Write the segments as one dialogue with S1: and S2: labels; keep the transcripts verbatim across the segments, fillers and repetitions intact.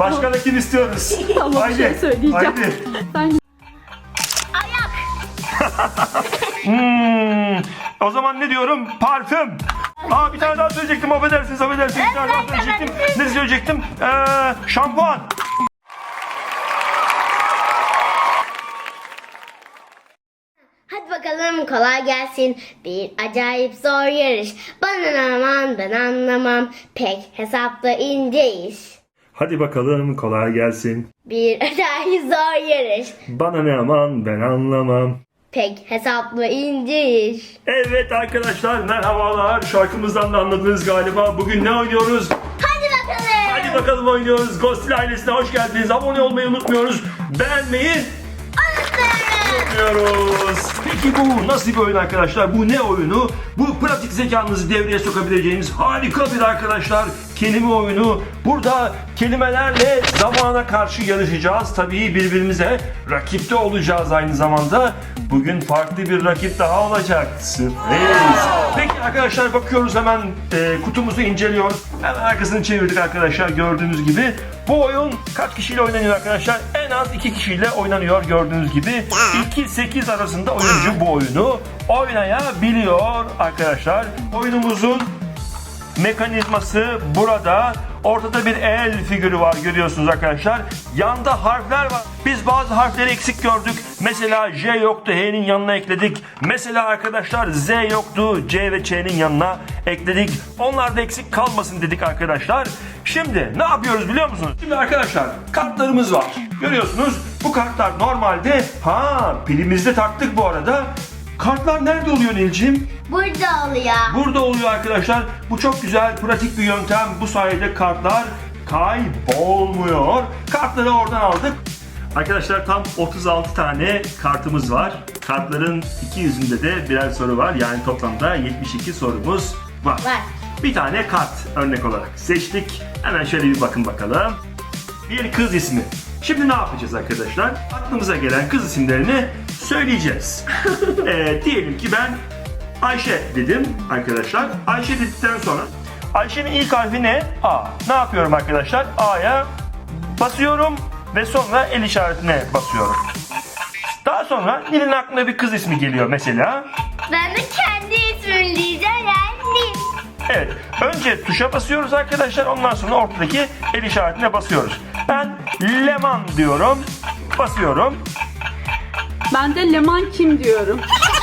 S1: Başka da kim istiyoruz?
S2: Ama bir
S1: Haydi.
S2: şey söyleyeceğim.
S1: Haydi.
S2: Sen
S3: Ayak.
S1: Hmm, o zaman ne diyorum? Parfüm. Aa bir tane daha söyleyecektim. Affedersiniz, affedersiniz. Bir tane daha söyleyecektim. Ne söyleyecektim? Ee, şampuan.
S3: Hadi bakalım kolay gelsin. Bir acayip zor yarış. Bana aman ben anlamam. Pek hesapta ince iş.
S1: Hadi bakalım kolay gelsin.
S3: Bir acayip zor yarış.
S1: Bana ne aman ben anlamam.
S3: Pek hesaplı ince iş.
S1: Evet arkadaşlar merhabalar. Şarkımızdan da anladınız galiba. Bugün ne oynuyoruz?
S3: Hadi bakalım.
S1: Hadi bakalım oynuyoruz. Ghostil ailesine hoş geldiniz. Abone olmayı unutmuyoruz. Beğenmeyi unutmuyoruz. Peki bu nasıl bir oyun arkadaşlar? Bu ne oyunu? Bu pratik zekanızı devreye sokabileceğiniz harika bir arkadaşlar kelime oyunu. Burada kelimelerle zamana karşı yarışacağız. Tabii birbirimize rakipte olacağız aynı zamanda. Bugün farklı bir rakip daha olacak. Sürpriz. Peki arkadaşlar bakıyoruz hemen e, kutumuzu inceliyoruz. Hemen arkasını çevirdik arkadaşlar gördüğünüz gibi. Bu oyun kaç kişiyle oynanıyor arkadaşlar? En az iki kişiyle oynanıyor gördüğünüz gibi. iki sekiz arasında oyuncu bu oyunu oynayabiliyor arkadaşlar. Oyunumuzun mekanizması burada. Ortada bir el figürü var görüyorsunuz arkadaşlar. Yanda harfler var. Biz bazı harfleri eksik gördük. Mesela J yoktu, H'nin yanına ekledik. Mesela arkadaşlar Z yoktu, C ve Ç'nin yanına ekledik. Onlar da eksik kalmasın dedik arkadaşlar. Şimdi ne yapıyoruz biliyor musunuz? Şimdi arkadaşlar kartlarımız var. Görüyorsunuz bu kartlar normalde ha pilimizde taktık bu arada. Kartlar nerede oluyor Nilciğim?
S3: Burada oluyor.
S1: Burada oluyor arkadaşlar. Bu çok güzel, pratik bir yöntem. Bu sayede kartlar kaybolmuyor. Kartları oradan aldık. Arkadaşlar tam otuz altı tane kartımız var. Kartların iki yüzünde de birer soru var. Yani toplamda yetmiş iki sorumuz var.
S3: Var.
S1: Bir tane kart örnek olarak seçtik. Hemen şöyle bir bakın bakalım. Bir kız ismi. Şimdi ne yapacağız arkadaşlar? Aklımıza gelen kız isimlerini söyleyeceğiz. ee, diyelim ki ben Ayşe dedim arkadaşlar. Ayşe dedikten sonra Ayşe'nin ilk harfi ne? A. Ne yapıyorum arkadaşlar? A'ya basıyorum ve sonra el işaretine basıyorum. Daha sonra Nil'in aklına bir kız ismi geliyor mesela.
S3: Ben de kendi ismimi diyeceğim yani Nil.
S1: Evet. Önce tuşa basıyoruz arkadaşlar. Ondan sonra ortadaki el işaretine basıyoruz. Ben Leman diyorum. Basıyorum.
S2: ben de Leman kim diyorum.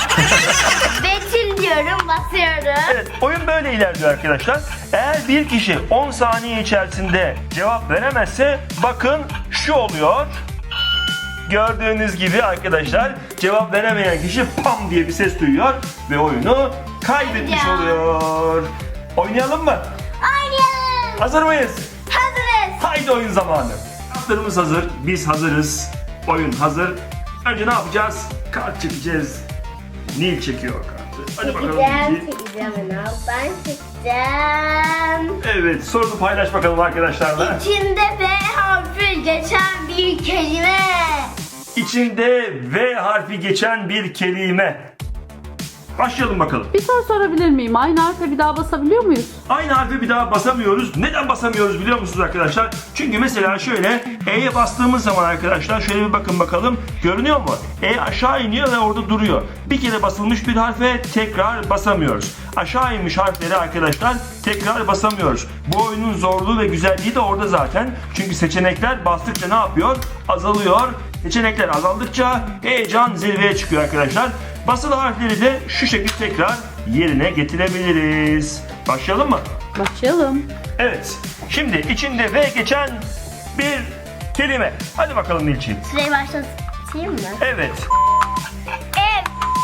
S3: Betül diyorum basıyorum.
S1: Evet. Oyun böyle ilerliyor arkadaşlar. Eğer bir kişi on saniye içerisinde cevap veremezse bakın şu oluyor. Gördüğünüz gibi arkadaşlar cevap veremeyen kişi pam diye bir ses duyuyor ve oyunu kaybetmiş
S3: Ya.
S1: oluyor. Oynayalım mı?
S3: Oynayalım.
S1: Hazır mıyız?
S3: Hazırız.
S1: Haydi oyun zamanı. Kartlarımız hazır. Biz hazırız. Oyun hazır. Önce ne yapacağız? Kart çekeceğiz. Nil çekiyor kartı. Hadi bakalım
S3: Çekeceğim,
S1: Nil.
S3: çekeceğim. Ben çekeceğim.
S1: Evet, sorunu paylaş bakalım arkadaşlarla.
S3: İçinde V harfi geçen bir kelime.
S1: İçinde V harfi geçen bir kelime. Başlayalım bakalım.
S2: Bir soru sorabilir miyim? Aynı harfe bir daha basabiliyor muyuz?
S1: Aynı harfi bir daha basamıyoruz. Neden basamıyoruz biliyor musunuz arkadaşlar? Çünkü mesela şöyle E'ye bastığımız zaman arkadaşlar şöyle bir bakın bakalım. Görünüyor mu? E aşağı iniyor ve orada duruyor. Bir kere basılmış bir harfe tekrar basamıyoruz. Aşağı inmiş harfleri arkadaşlar tekrar basamıyoruz. Bu oyunun zorluğu ve güzelliği de orada zaten. Çünkü seçenekler bastıkça ne yapıyor? Azalıyor. Seçenekler azaldıkça heyecan zirveye çıkıyor arkadaşlar. Basılı harfleri de şu şekilde tekrar yerine getirebiliriz. Başlayalım mı?
S2: Başlayalım.
S1: Evet. Şimdi içinde V geçen bir kelime. Hadi bakalım Nilciğim.
S3: Süreyi başlatayım mı?
S1: Evet.
S3: Ev.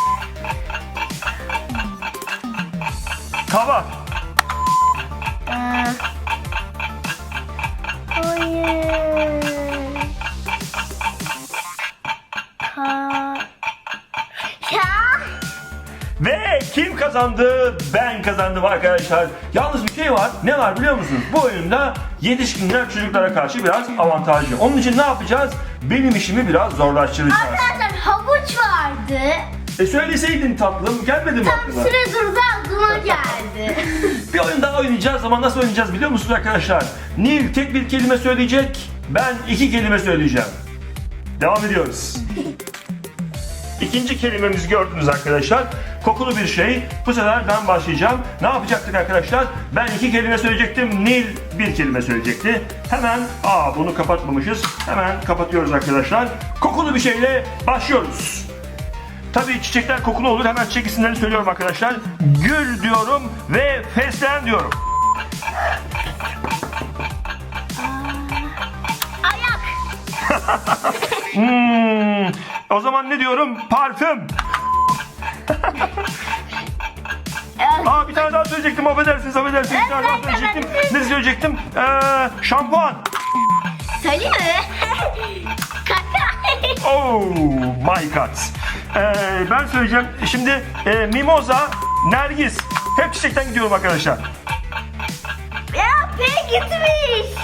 S1: Tava.
S3: Aa. Hayır. Ka. Ya.
S1: Ve kim kazandı? Ben kazandım arkadaşlar. Yalnız bir şey var. Ne var biliyor musunuz? Bu oyunda yetişkinler çocuklara karşı biraz avantajlı. Onun için ne yapacağız? Benim işimi biraz zorlaştıracağız.
S3: Arkadaşlar havuç vardı.
S1: E söyleseydin tatlım, gelmedi mi
S3: Tam
S1: aklına?
S3: süre durdu aklıma geldi.
S1: Bir oyun daha oynayacağız ama nasıl oynayacağız biliyor musunuz arkadaşlar? Nil tek bir kelime söyleyecek. Ben iki kelime söyleyeceğim. Devam ediyoruz. İkinci kelimemizi gördünüz arkadaşlar. Kokulu bir şey. Bu sefer ben başlayacağım. Ne yapacaktık arkadaşlar? Ben iki kelime söyleyecektim. Nil bir kelime söyleyecekti. Hemen, aa bunu kapatmamışız. Hemen kapatıyoruz arkadaşlar. Kokulu bir şeyle başlıyoruz. Tabii çiçekler kokulu olur. Hemen çiçek isimlerini söylüyorum arkadaşlar. Gül diyorum ve fesleğen diyorum.
S3: Ayak.
S1: Hmm, o zaman ne diyorum? Parfüm. Aa bir tane daha söyleyecektim. Affedersiniz, affedersiniz. Bir tane daha söyleyecektim. Ne söyleyecektim? Ee, şampuan.
S3: Söyleyeyim mi? Kaka.
S1: Oh my god. Ee, ben söyleyeceğim. Şimdi e, mimoza, nergis. Hep çiçekten gidiyorum arkadaşlar.
S3: Ya P gitmiş.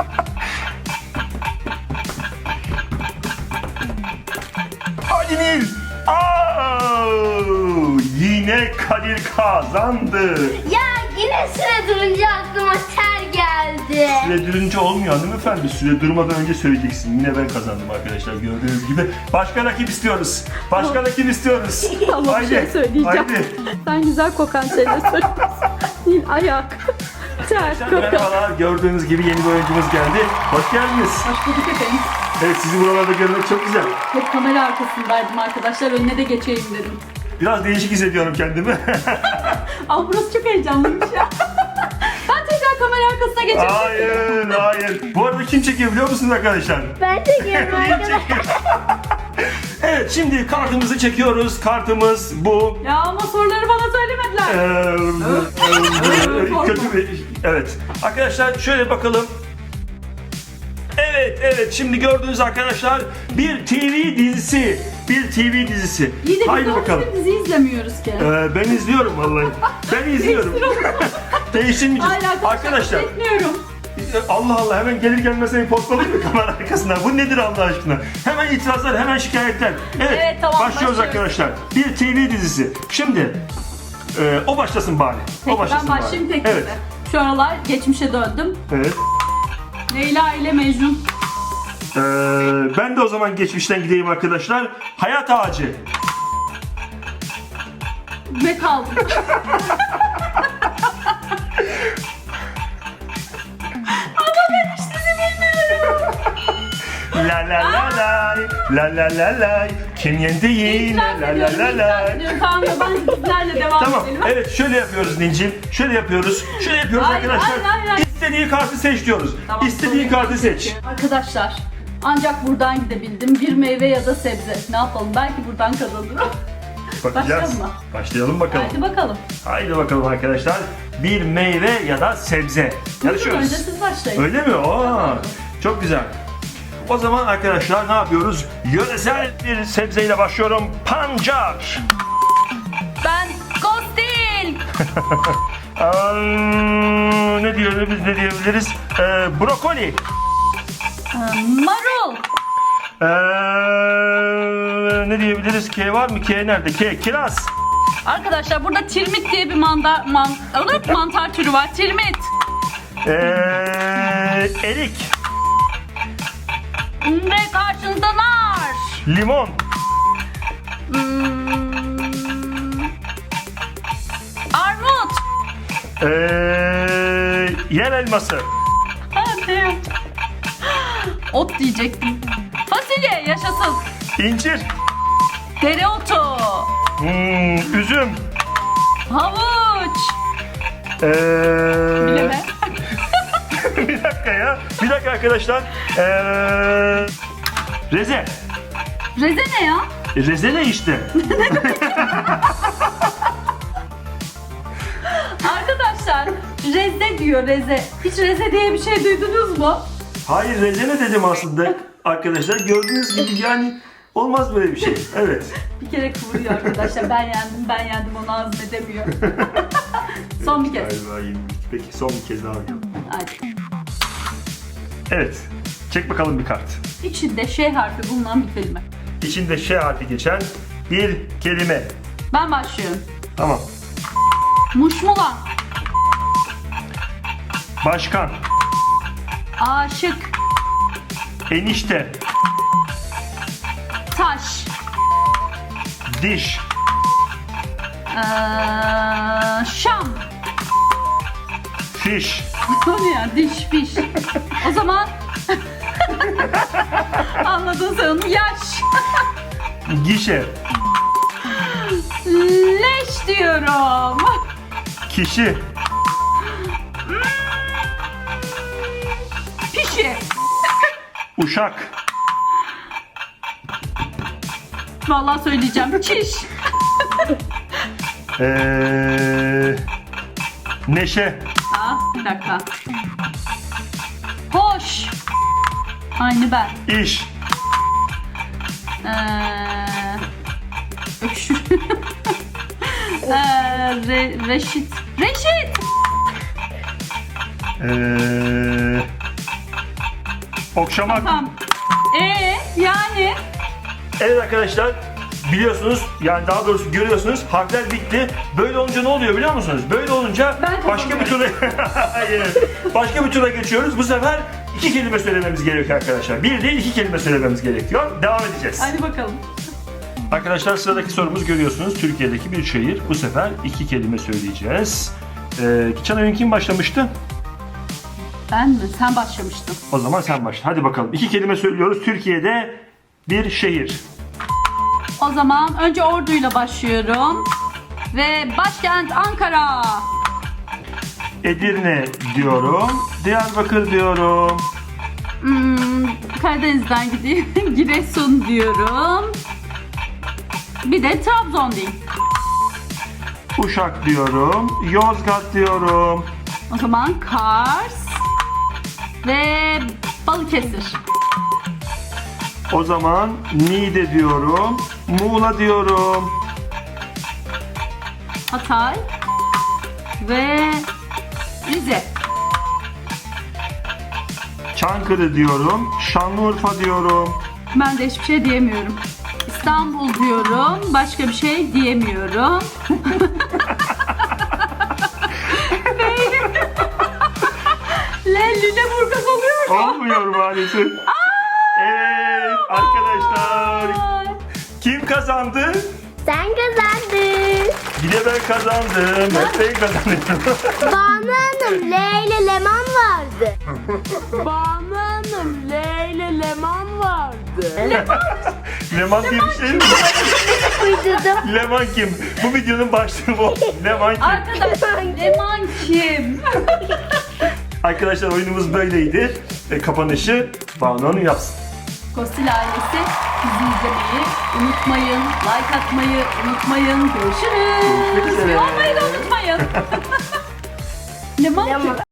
S1: Hadi Nil. Aa, yine Kadir kazandı.
S3: Ya yine süre durunca aklıma ter geldi.
S1: Süre durunca olmuyor hanımefendi. Süre durmadan önce söyleyeceksin. Yine ben kazandım arkadaşlar. Gördüğünüz gibi. Başka rakip istiyoruz. Başka rakip istiyoruz.
S2: Ama bir şey söyleyeceğim.
S1: Haydi.
S2: Sen güzel kokan şeyler söylüyorsun. Nil ayak. Ter kokan.
S1: Merhabalar. Gördüğünüz gibi yeni bir oyuncumuz geldi. Hoş geldiniz.
S2: Hoş bulduk efendim.
S1: Evet, sizi buralarda görmek çok güzel.
S2: Hep kamera arkasındaydım arkadaşlar. Önüne de geçeyim dedim.
S1: Biraz değişik hissediyorum kendimi.
S2: Ama burası çok heyecanlıymış ya. Ben tekrar kamera arkasına geçeyim.
S1: Hayır, hayır. Bu arada kim çekiyor biliyor musunuz arkadaşlar?
S3: Ben çekiyorum
S1: Kim
S3: arkadaşlar.
S1: çekiyor? Evet, şimdi kartımızı çekiyoruz. Kartımız bu.
S2: Ya ama soruları bana söylemediler.
S1: Ee, kötü bir... Evet. Arkadaşlar şöyle bakalım. Evet, evet. Şimdi gördüğünüz arkadaşlar bir T V dizisi. Bir T V dizisi.
S2: İyi de biz
S1: Haydi
S2: doğru
S1: bakalım.
S2: düzgün dizi izlemiyoruz ki.
S1: Ee, ben izliyorum vallahi. Ben izliyorum. Değiştirmeyeceğiz.
S2: Hala
S1: Arkadaşlar.
S2: Etmiyorum.
S1: Allah Allah, hemen gelir gelmez seni postalayayım mı kamera arkasına? Bu nedir Allah aşkına? Hemen itirazlar, hemen şikayetler. Evet,
S2: Evet, tamam,
S1: başlıyoruz
S2: başlıyoruz.
S1: arkadaşlar. Bir T V dizisi. Şimdi e, o başlasın bari.
S2: Peki
S1: o başlasın
S2: ben başlayayım
S1: bari.
S2: tek
S1: Evet,
S2: Şu aralar geçmişe döndüm.
S1: evet.
S2: Leyla ile Mecnun.
S1: Ee, ben de o zaman geçmişten gideyim arkadaşlar. Hayat ağacı.
S2: Ve kaldım.
S1: La la la la la la la la. Kim yendi yine
S2: İtiraf
S1: la la
S2: ediyorum,
S1: la
S2: itiraf
S1: la.
S2: ediyorum. Tamam ya ben sizlerle devam
S1: Tamam.
S2: edelim.
S1: Evet, şöyle yapıyoruz Nilcim. Şöyle yapıyoruz. Şöyle yapıyoruz
S2: Hayır,
S1: arkadaşlar.
S2: hayır, hayır, hayır.
S1: İstediği kartı seç diyoruz.
S2: Tamam,
S1: İstediği
S2: sorun
S1: kartı
S2: yok.
S1: seç.
S2: Arkadaşlar ancak buradan gidebildim. Bir meyve ya da sebze. Ne yapalım? Belki buradan kazanırım.
S1: Bakacağız.
S2: Başlayalım mı?
S1: Başlayalım bakalım.
S2: Hadi bakalım.
S1: Haydi bakalım arkadaşlar. Bir meyve ya da sebze.
S2: Buyurun,
S1: Yarışıyoruz.
S2: önce siz başlayın.
S1: Öyle mi? Oo, çok güzel. O zaman arkadaşlar ne yapıyoruz? Yöresel bir sebzeyle başlıyorum. Pancar.
S2: Ben Kostil.
S1: Aa, ne diyoruz? Ne diyebiliriz? Ee, brokoli.
S2: Marul.
S1: Ee, ne diyebiliriz? K var mı? K nerede? K. Kiraz.
S2: Arkadaşlar burada tirmit diye bir manda, man, evet, mantar türü var. Tirmit.
S1: Ee, erik.
S2: Ve karşınızda nar.
S1: Limon.
S2: Hmm, armut.
S1: Ee, yer elması.
S2: Hadi. Ot diyecektim. Fasulye yaşasın.
S1: İncir.
S2: Dereotu.
S1: Hmm, üzüm.
S2: Havuç.
S1: Ee,
S2: Bileme.
S1: bir dakika ya. Bir dakika arkadaşlar. Ee, reze.
S2: Reze ne ya?
S1: E, Reze ne işte?
S2: Arkadaşlar reze diyor, reze. Hiç reze diye bir şey duydunuz mu?
S1: Hayır, reze ne dedim aslında arkadaşlar. Gördüğünüz gibi yani olmaz böyle bir şey. Evet.
S2: Bir kere kıvırıyor arkadaşlar. Ben yendim, ben yendim, onu hazmedemiyor. Son bir kez.
S1: Galiba yenildik. Peki son bir kez daha bakalım.
S2: Hadi.
S1: Evet. Çek bakalım bir kart.
S2: İçinde Ş harfi bulunan bir kelime.
S1: İçinde Ş harfi geçen bir kelime.
S2: Ben başlıyorum.
S1: Tamam.
S2: Muşmula.
S1: Başkan.
S2: Aşık.
S1: Enişte.
S2: Taş.
S1: Diş.
S2: Ee, Şam.
S1: Fiş.
S2: O ne ya? Diş, fiş. O zaman anladın sen onu. Yaş.
S1: Gişe.
S2: Leş diyorum.
S1: Kişi.
S2: Pişi.
S1: Uşak.
S2: Vallahi söyleyeceğim. Çiş.
S1: Ee, neşe.
S2: Aa, bir dakika. Hoş. Aynı ben.
S1: İş.
S2: Ee, öküşür. ee, re, reşit. Reşit.
S1: Ee, okşamak.
S2: Tamam. Ee, yani
S1: Evet arkadaşlar, biliyorsunuz, yani daha doğrusu görüyorsunuz, harfler bitti. Böyle olunca ne oluyor biliyor musunuz? Böyle olunca
S2: Ben
S1: başka bir tura Hayır. Başka bir tura geçiyoruz. Bu sefer iki kelime söylememiz gerekiyor arkadaşlar. Bir değil, iki kelime söylememiz gerekiyor. Devam edeceğiz.
S2: hadi bakalım.
S1: Arkadaşlar, sıradaki sorumuz görüyorsunuz. Türkiye'deki bir şehir. Bu sefer iki kelime söyleyeceğiz. Ee, geçen oyun kim başlamıştı?
S2: Ben mi? Sen başlamıştın.
S1: O zaman sen başla. Hadi bakalım. İki kelime söylüyoruz. Türkiye'de bir şehir.
S2: O zaman önce Ordu'yla başlıyorum. Ve başkent Ankara.
S1: Edirne diyorum. Diyarbakır diyorum.
S2: Hmm, Karadeniz'den gideyim. Giresun diyorum. Bir de Trabzon diyeyim.
S1: Uşak diyorum. Yozgat diyorum.
S2: O zaman Kars ve Balıkesir.
S1: O zaman Niğde diyorum. Muğla diyorum.
S2: Hatay ve Rize.
S1: Çankırı diyorum. Şanlıurfa diyorum.
S2: Ben de hiçbir şey diyemiyorum. İstanbul diyorum. Başka bir şey diyemiyorum. Le Lüleburgaz oluyor mu?
S1: Olmuyor maalesef. Evet arkadaşlar.
S2: Ay.
S1: Kim kazandı?
S3: Sen kazandın.
S1: Yine ben kazandım. Hep ben kazandım.
S3: Banu Hanım, L ile Leman vardı.
S4: Banu Hanım, L ile Leman vardı.
S1: Leman diye bir şey mi?
S3: Uydurdum.
S1: Leman kim? Bu videonun başlığı bu. Leman kim?
S2: Arkadaşlar Leman kim?
S1: Arkadaşlar, oyunumuz böyleydi. E, kapanışı Banu Hanım yapsın.
S2: Kostil ailesi bizi izlemeyi unutmayın. Like atmayı unutmayın.
S1: Görüşmek
S2: Görüşürüz.
S1: üzere.
S2: Olmayı da unutmayın. Leman kim?
S3: Leman.